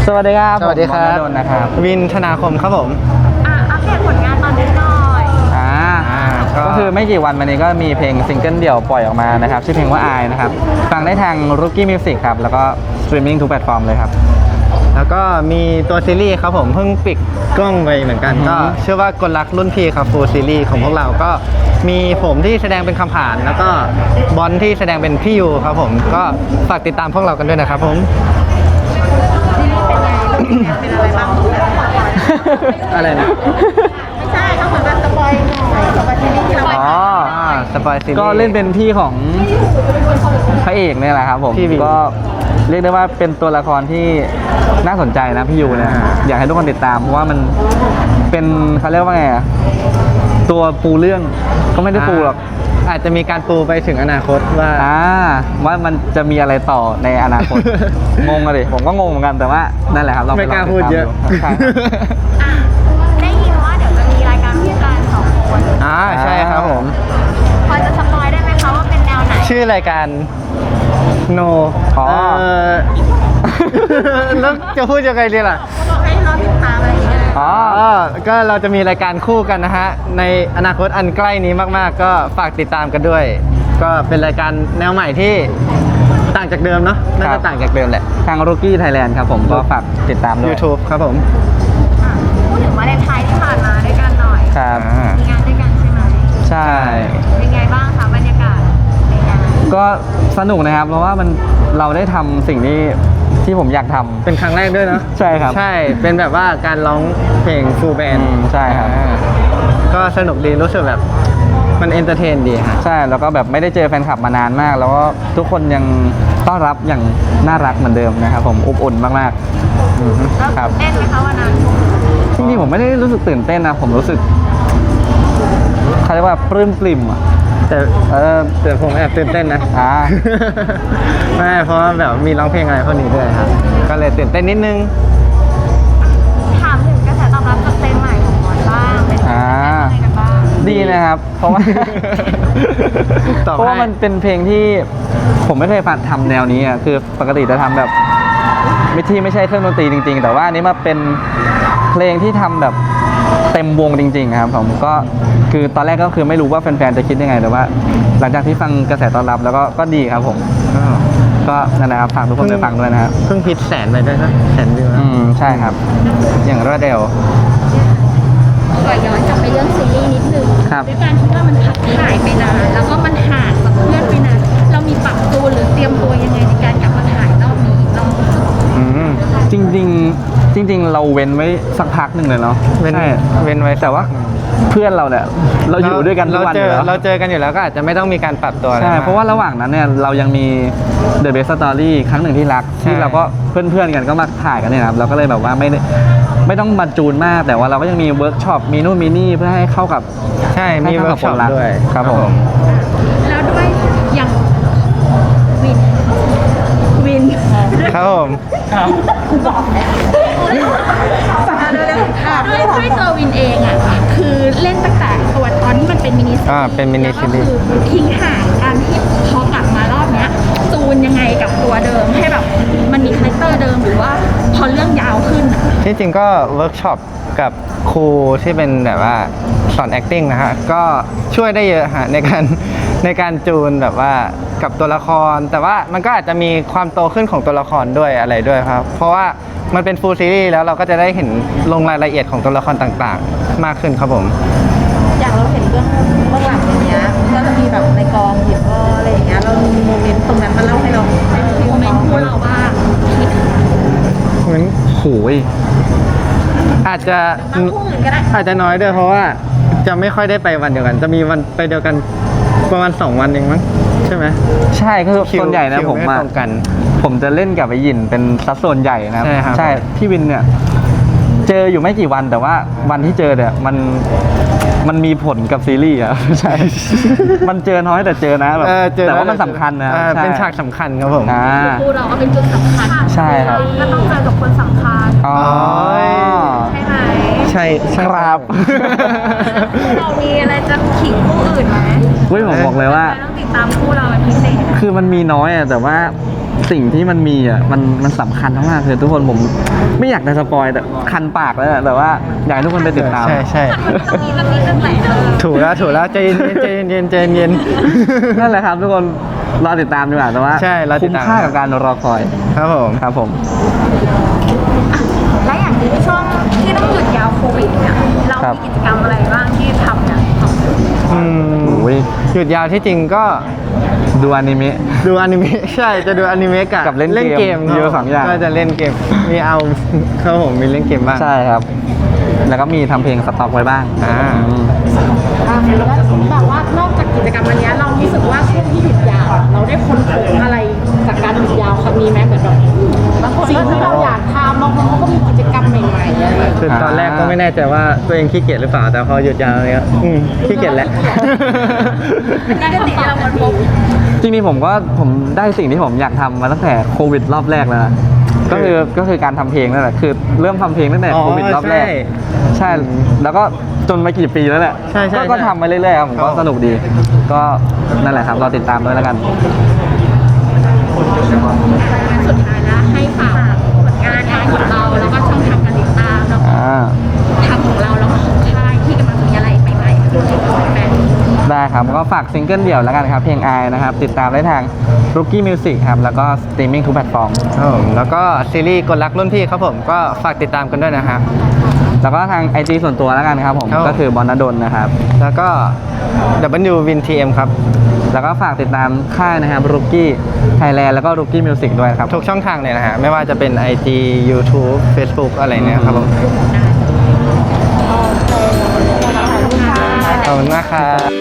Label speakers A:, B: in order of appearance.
A: สวัสดีครับ
B: สวัสดีครับ
A: ผมนนท์นะครับ
B: วินธนาคมครับผม
C: อัปเดตผลงานตอนนี้หน่อย
A: ก็คือไม่กี่วันมานี้ก็มีเพลงซิงเกิลเดี่ยวปล่อยออกมานะครับชื่อเพลงว่าอายนะครับฟังได้ทาง Rookie Music ครับแล้วก็สตรีมมิ่งทุกแพลตฟอร์มเลยครับ
B: แล้วก็มีตัวซีรีส์ครับผมเพิ่งปิดกล้องไปเหมือนกันก็เชื่อว่ากลรักรุ่นพี่ครับฟูลซีรีส์ของพวกเราก็มีผมที่แสดงเป็นคำผ่านแล้วก็บอลที่แสดงเป็นพี่ยูครับผมก็ฝากติดตามพวกเรากันด้วยนะครับผม
C: เป็นอะไรบ้าง
B: อะไรนะ
C: ไม่ใช่เขาเหมือนแบบสปอยหน่อยสปอยซีรีส์ที่เราไป
B: สปอยซีรีส์
A: ก็เล่นเป็นพี่ของพระเอกเนี่ยแหละครับผมก็เรียกได้ว่าเป็นตัวละครที่น่าสนใจนะพี่ยูเนี่ยอยากให้ทุกคนติดตามเพราะว่ามันเป็นเขาเรียกว่าไงอะตัวปูเรื่องก็ไม่ได้ปูหรอก
B: อาจจะมีการปูไปถึงอนาคต
A: ว่ามันจะมีอะไรต่อในอนาคต งงเลยผมก็งงเหมือนกันแต่ว่านั่นแหละครับเรา
B: ไม่กล้าพูดเยอะ
C: ได้ยินว่าเดี๋ยวจะมีรายการคู่กัน2 คน
B: ใช่ครับผม
C: พอจะสปอยได้ไหมคะว่าเป็นแนวไหน
B: ชื่อรายการ No แล้วจะพูดยังไงดีล่ะ
C: บอกให้รอติดตามอะไรอย่างเงี้ย
B: ก็เราจะมีรายการคู่กันนะฮะในอนาคตอันใกล้นี้มากๆก็ฝากติดตามกันด้วยก็เป็นรายการแนวใหม่ที่ต่างจากเดิมเนาะน่าจะต่างจากเดิมแหละ
A: ทาง Rookie Thailand ครับผมก็ฝากติดตามด้วย
B: YouTube ครับผม
C: พูดถึงวาเลนไทน์ที่ผ่านมาด้วยกันหน่อย
A: ครับ
C: มีงานด้วยกันใช่ไหม
A: ใช่
C: เป็นไงบ้างคะบรรยากาศในงาน
A: ก็สนุกนะครับเพราะว่าเราได้ทำสิ่งที่ผมอยากทำ
B: เป็นครั้งแรกด้วยเนาะ
A: ใช่ครับ
B: ใช่เป็นแบบว่าการร้องเพลงฟูลแบนด์
A: ใช่ครับ
B: ก็สนุกดีรู้สึกแบบมันเอนเตอร์เทนดีฮะ
A: ใช่แล้วก็แบบไม่ได้เจอแฟนคลับมานานมากแล้วก็ทุกคนยังต้อนรับอย่างน่ารักเหมือนเดิมนะครับผมอบอุ่นมาก
C: ๆครับเต้นไหมคะวันนั้น
A: จริงๆผมไม่ได้รู้สึกตื่นเต้นนะผมรู้สึกเขาเรียกว่าปลื้มปริ่มอะ
B: แต่ผมแอบตื่นเต้นนะไม่เพราะแบบมีร้องเพลงอะไรพวกนี้ด้วยครับก็เลยตื่นเต้นนิดนึง
C: ถามถึงกระแสตอบรับจากเพลงใหม่ของบอลบ้างเป็นยังไงกันบ้าง
A: ดีนะครับเพราะว่ามันเป็นเพลงที่ผมไม่เคยทำแนวนี้อ่ะคือปกติจะทำแบบไม่ใช่เครื่องดนตรีจริงๆแต่ว่าอันนี้มาเป็นเพลงที่ทำแบบเต็มวงจริงๆครับผมก็คือตอนแรกก็คือไม่รู้ว่าแฟนๆจะคิดยังไงแต่ว่าหลังจากที่ฟังกระแสตอบรับแล้วก็ดีครับผมก็นั่นแหละครับฝากทุกคนไปฟังด้วยนะครับ
B: เพิ่งพิชแสนไปด้วยนะแสนวิว
A: ใช่ครับอย่างรวดเร็ว
C: ก่อนย้อนกลับไปเรื่องซีรีส์นิดนึงด้วยการที่ว่ามันพักถ่ายไปนานแล้วก็มันห่างกับเพื่อนไปนานเรามีปรับตัวหรือเตรียมตัวยังไงในการกลับมาถ่ายรอบนี้
A: จริงเราเว้นไว้สักพักหนึ่งเลยเนาะ
B: ใช่เว้นไว้
A: แต่ว่าเพื่อนเราเนี่ยเราอยู่ด้วยกันทุกวันอยู่แล้ว
B: เราเจอกันอยู่แล้วก็อาจจะไม่ต้องมีการปรับตัว
A: ใช่เพราะว่าระหว่างนั้นเนี่ยเรายังมี The Best Story ครั้งหนึ่งที่รักที่เราก็เพื่อนๆกันก็มาถ่ายกันเนี่ยครับเราก็เลยแบบว่าไม่ต้องมาจูนมากแต่ว่าเราก็ยังมีเวิร์กช็อปมีนู่นมีนี่เพื่อให้เข้ากับ
B: ใช่มีเวิร์กช็อปด้วย
A: ครับผม
C: แล้วด้วยอย่างวิน
B: ครับผม
C: ด้วยตัววินเองอ่ะคือเล่นตั้งแต่ตัวตอนที่มันเป็นมินิซีรีส์
B: เป็นมินิซีรีส์
C: ทิ้งห่างการที่พอกลับมารอบเนี้ยจูนยังไงกับตัวเดิมให้แบบมันมีคาแรคเตอร์เดิมหรือว่าพอเรื่องยาวขึ้น
B: ที่จริงก็เวิร์กช็อปกับครูที่เป็นแบบว่าสอน acting นะฮะก็ช่วยได้เยอะฮะในการจูนแบบว่ากับตัวละครแต่ว่ามันก็อาจจะมีความโตขึ้นของตัวละครด้วยอะไรด้วยครับเพราะว่ามันเป็นฟูลซีรีส์แล้วเราก็จะได้เห็นลงรายละเอียดของตัวละครต่างๆมากขึ้นครับผม
C: อย่างเราเห็นเบื้องหลังอย่างเงี้ยก็จะมีแบบในกองหยิบอะไรอย่างเงี้ยเรามีโมเมนต์ตรงนั้นมาเล่าให้เราโมเมนต์คู่เราว่า
B: เหมือน
A: โหย
B: อาจจะน้อยด้วยเพราะว่าจะไม่ค่อยได้ไปวันเดียวกันจะมีวันไปเดียวกันประมาณ2 วันเองมั้งใช่ไหม
A: ใช่คือส่วนใหญ่นะผมจะเล่นกับไอ้ยินเป็นสัดส่วนใหญ่นะครับใช่พี่วินเนี่ยเจออยู่ไม่กี่วันแต่ว่าวันที่เจอเนี่ยมันมีผลกับซีรีส์อ่ะใช่มันเจอน้อยแต่เจอนะแบบแต่ว่ามันสำคัญนะ
B: เป็นฉากสำคัญครับผม
C: คู่เราก็เป็นจุดสำคัญ
A: ใช่ครับ
C: ก็ต้องเจอกับคนสำคัญใช่ไหม
B: ใช่
A: ครับ
C: เรามีอะไรจะขิงคู่อื่นไหม
A: ผมบอกเลยว่า
C: ต้องติดตามคู่เราเป็นพิเศษ
A: คือมันมีน้อยอ่ะแต่ว่าสิ่งที่มันมีอ่ะมันสำคัญมากๆเลยทุกคนผมไม่อยากจะสปอยแต่คันปากแล้วอะแต่ว่าอยากให้ทุกคนไปติดตาม
B: ใช่ใช่
C: ตรงนี้เรื่องไหน
B: ถูกแล้วใจเย็น
A: นั่นแหละครับทุกคนรอติดตามดีกว่าแต่ว่า
B: ใช่รอติ
A: คุ้
B: ด
A: ม
B: ตาม
A: ค่ากับการรอคอย
B: ครับผม
A: ครับผม
C: และอย่างนี้ช่วงที่ต้องหยุดยาวโควิดเนี่ยเรา
A: ครับ
C: มีกิจกรรมอะไรบ้างที่ทำเนี่ย
B: อืม
A: โอ้ย
B: หยุดยาวที่จริงก็
A: ดูอนิเมะ
B: ดูอนิเมะ ใช่จะดูอนิเมะ
A: กับเล่นเกม
B: ครับ
A: เยอะสองอย่าง
B: ก็จะเล่นเกมมีเอา ครับผมมีเล่นเกมบ้าง
A: ใช่ครับ แล้วก็มีทำเพลงสต็อกไว้บ้าง
B: อ่า
A: อืม
C: แล้วแบบว่านอกจากกิจกรรมอันเนี้ยเรารู้สึกว่าช่วงที่หยุดยาวเราได้ค้นพบอะไรจากการหยุดยาวครั้งนี้ไหมเหมือนแบบสิ่งที่เราอยากทำบางคนเขาก็มีกิจกรรมใหม่ๆอะไร
B: คือตอนแรกก็ไม่แน่ใจว่าตัวเองขี้เกียจหรือเปล่า แต่พอหยุดยาวเนี่ยขี้เกียจแล้ว
C: นั่นคือสิ่งที่เราค้นพบ
A: จริงๆผมได้สิ่งที่ผมอยากทำมาตั้งแต่โควิดรอบแรกแล้วนะก็คือการทำเพลงนั่นแหละคือเริ่มทำเพลงตั้งแต่
B: อ๋อ
A: โควิดรอบแรก
B: ใช่
A: ใช่ แล้วก็จนมากี่ปีแล้วแหละ
B: ใช่ใช่
A: ก็
B: ใช่
A: ทำมาเรื่อยๆครับผมก็
B: ครับ
A: สนุกดี ก็นั่นแหละครับรอติดตามด้วยแล้วกัน
C: สุดท้ายแล้วให้ฝากผลงานของเราแล้วก็ช่องทางการติดตามแล้วก็
A: อ่า
C: ทางของเราแล้วก็ของค่ายที่กำลังมีอะไรใหม่ๆให้แฟน
A: ได้ครับก็ฝากซิงเกิลเดี่ยวแล้วกันครับเพลงอายนะครับ ติดตามได้ทาง Rookie Music ครับ แล้วก็สตรีมมิ่งทุกแพลตฟอร์ม
B: ครับผมแล้วก็ซีรีส์กลรักรุ่นพี่ครับผมก็ฝากติดตามกันด้วยนะครับ
A: แล้วก็ทาง IG ส่วนตัวแล้วกันครับผม
B: ครับ
A: ก็คือบอลนดลนะครับ
B: แล้วก็ WWinTM ครับ
A: แล้วก็ฝากติดตามค่ายนะครับ Rookie Thailand แล้วก็ Rookie Music ด้วยครับ
B: ทุกช่องทางเลยนะฮะไม่ว่าจะเป็น IG YouTube Facebook อะไรเนี่ยครับผมขอบคุณมากครับ